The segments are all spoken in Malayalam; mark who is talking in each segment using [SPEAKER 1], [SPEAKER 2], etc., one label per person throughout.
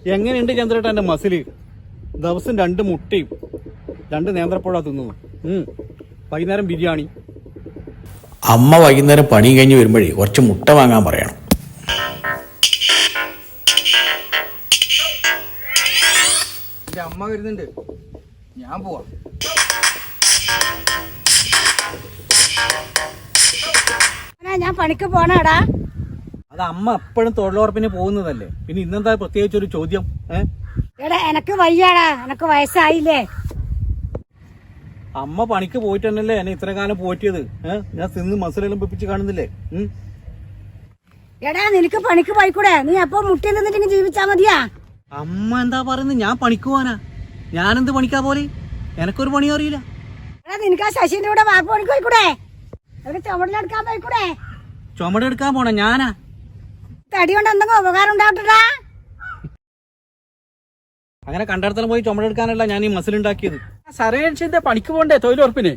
[SPEAKER 1] എങ്ങനെയുണ്ട് ചന്ദ്രേട്ട എന്റെ മസില്? ദിവസം 2 മുട്ടയും 2 നേന്ത്രപ്പഴ തിന്നു. വൈകുന്നേരം ബിരിയാണി.
[SPEAKER 2] അമ്മ വൈകുന്നേരം പണി കഴിഞ്ഞ് വരുമ്പോഴേ കുറച്ച് മുട്ട വാങ്ങാൻ പറയണം.
[SPEAKER 3] എന്റെ അമ്മ വരുന്നുണ്ട്, ഞാൻ പോവാ.
[SPEAKER 4] ഞാൻ പണിക്ക് പോണാടാ.
[SPEAKER 1] അത് അമ്മ എപ്പോഴും തൊഴിലുറപ്പിന് പോകുന്നതല്ലേ, പിന്നെ ഇന്നെന്താ പ്രത്യേകിച്ചൊരു ചോദ്യം?
[SPEAKER 4] എടാ എനക്ക് വയ്യാടാ, എനക്ക് വയസ്സായില്ലേ.
[SPEAKER 1] അമ്മ പണിക്ക് പോയിട്ട് തന്നെയല്ലേ എന്നെ ഇത്ര കാലം പോറ്റിയത്. ഞാൻ തിന്ന് മസിലെല്ലാം വെപ്പിച്ച് കാണുന്നില്ലേ?
[SPEAKER 4] എടാ നിനക്ക് പണിക്ക് പോയിക്കൂടെ? നീ അപ്പൊ മുട്ടി നിന്നിട്ട് ജീവിച്ചാ മതിയാ.
[SPEAKER 1] അമ്മ എന്താ പറയുന്നത്? ഞാൻ പണിക്ക് പോവാനാ? ഞാനെന്ത് പണിക്കാ പോലെ? എനക്കൊരു പണി അറിയില്ല.
[SPEAKER 4] എടാ നിനക്ക് ആ ശശിന്റെ കൂടെ വാക്ക് പണിക്ക് പോയിക്കൂടെ? അവർക്ക് ചുമടെടുക്കാൻ പോയിക്കൂടെ?
[SPEAKER 1] ചുമടെടുക്കാൻ പോണ ഞാനാ?
[SPEAKER 4] തടി കൊണ്ട് എന്തെങ്കിലും ഉപകാരം ഉണ്ടാവട്ടാ.
[SPEAKER 1] അങ്ങനെ കണ്ടിടത്തോളം പോയി ചുമടെടുക്കാനല്ല ഞാൻ ഈ മസിലുണ്ടാക്കിയത്.
[SPEAKER 3] സർവേഷന്റെ പണിക്ക് പോണ്ടേ തൊഴിലുറപ്പിന്?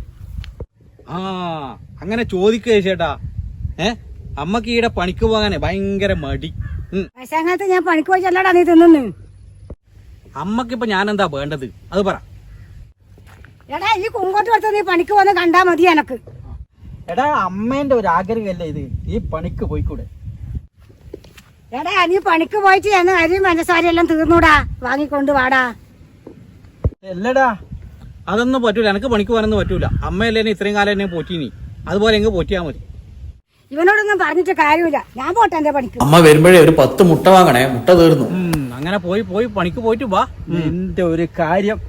[SPEAKER 1] അങ്ങനെ ചോദിക്കുക ചേട്ടാ. അമ്മക്ക് ഈടെ പണിക്ക് പോകാനേ ഭയങ്കര മടി.
[SPEAKER 4] വയസ്സാകാലത്ത് ഞാൻ പണിക്ക് പോയി ചെല്ലടാ നീ തിന്നു.
[SPEAKER 1] അമ്മക്കിപ്പൊ ഞാൻ എന്താ വേണ്ടത് അത് പറ.
[SPEAKER 4] എടാ ഈ കുങ്കോട്ട് കൊടുത്ത് നീ പണിക്ക് പോന്ന് കണ്ടാ മതി എനക്ക്.
[SPEAKER 3] എടാ അമ്മേന്റെ ഒരു ആഗ്രഹമല്ലേ ഇത്, ഈ പണിക്ക് പോയിക്കൂടെ?
[SPEAKER 4] എടാ നീ പണിക്ക് പോയിട്ട് എന്ന് അരിയും പഞ്ചസാരയും എല്ലാം തീർന്നൂടാ, വാങ്ങിക്കൊണ്ട് വാടാ.
[SPEAKER 3] അല്ലടാ
[SPEAKER 1] അതൊന്നും പറ്റൂല, എനക്ക് പണിക്ക് പോകാനൊന്നും പറ്റൂല. അമ്മയല്ലേ എന്നെ ഇത്രയും കാലം എന്നെ പോറ്റീനി, അതുപോലെ എങ്ങ് പോറ്റിയാ മതി.
[SPEAKER 4] ഇവനോടൊന്നും പറഞ്ഞിട്ട് കാര്യമില്ല, ഞാൻ പോട്ടെ എന്റെ പണിക്ക്.
[SPEAKER 2] അമ്മ വരുമ്പോഴേ ഒരു 10 മുട്ട വാങ്ങണേ, മുട്ട തീർന്നു.
[SPEAKER 1] അങ്ങനെ പോയി പണിക്ക് പോയിട്ട് വാ.
[SPEAKER 3] എന്റെ ഒരു കാര്യം.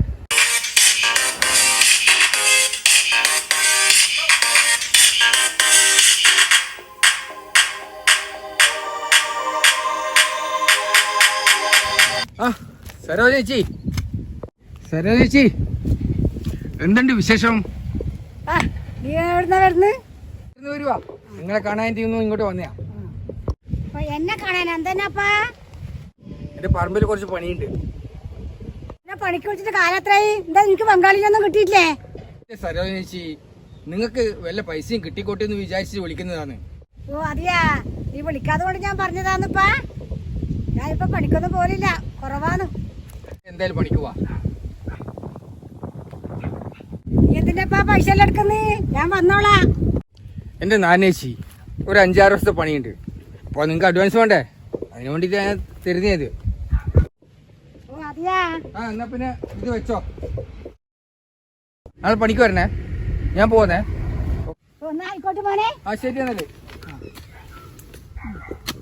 [SPEAKER 3] സരോജ ചേച്ചി എന്തുണ്ട് വിശേഷം?
[SPEAKER 4] നീ എവിടുന്ന വരുന്നു?
[SPEAKER 3] വരുവാ, നിങ്ങളെ കാണാനായിട്ട് ഇങ്ങോട്ട് വന്നയാ.
[SPEAKER 4] എന്നെ കാണാൻ എന്തെന്നാപ്പാ?
[SPEAKER 3] എന്റെ പറമ്പിൽ കുറച്ച് പണിയുണ്ട്.
[SPEAKER 4] എന്നെ പണിക്ക് വിളിച്ചിട്ട് കാലത്രയായി, എന്താ നിനക്ക് ബംഗാളിലൊന്നും കിട്ടിയിട്ടില്ലേ?
[SPEAKER 3] സരോജ ചേച്ചി, നിങ്ങൾക്ക് വല്ല പൈസയും കിട്ടിക്കോട്ടെ എന്ന് വിചാരിച്ച് വിളിക്കുന്നതാണ്.
[SPEAKER 4] ഓ അതെയാ, നീ വിളിക്കാതെ കൊണ്ട് ഞാൻ പറഞ്ഞതാന്നിപ്പാ. ഞാൻ ഇപ്പൊ പണിക്കൊന്നും പോലില്ല, കുറവാണ്.
[SPEAKER 3] എന്തായാലും പണിക്ക് പോവാ.
[SPEAKER 4] നീ എന്തിനാ പൈസ എല്ലാം എടുക്കുന്നേ? ഞാൻ വന്നോളാം.
[SPEAKER 3] എന്റെ നാനേച്ചി, ഒരു 5-6 ദിവസത്തെ പണിയുണ്ട്. അപ്പോൾ നിങ്ങൾക്ക് അഡ്വാൻസ് വേണ്ടേ? അതിന് വേണ്ടിയിട്ട് ഞാൻ തരുന്നത്.
[SPEAKER 4] ഓ അതെയാ.
[SPEAKER 3] എന്നാ പിന്നെ ഇത് വെച്ചോ. നാളെ പണിക്ക് വരണേ, ഞാൻ പോന്നേ.
[SPEAKER 4] ഒന്ന് ആയിക്കോട്ടെ മോനെ.
[SPEAKER 3] ശരി എന്നല്ലേ.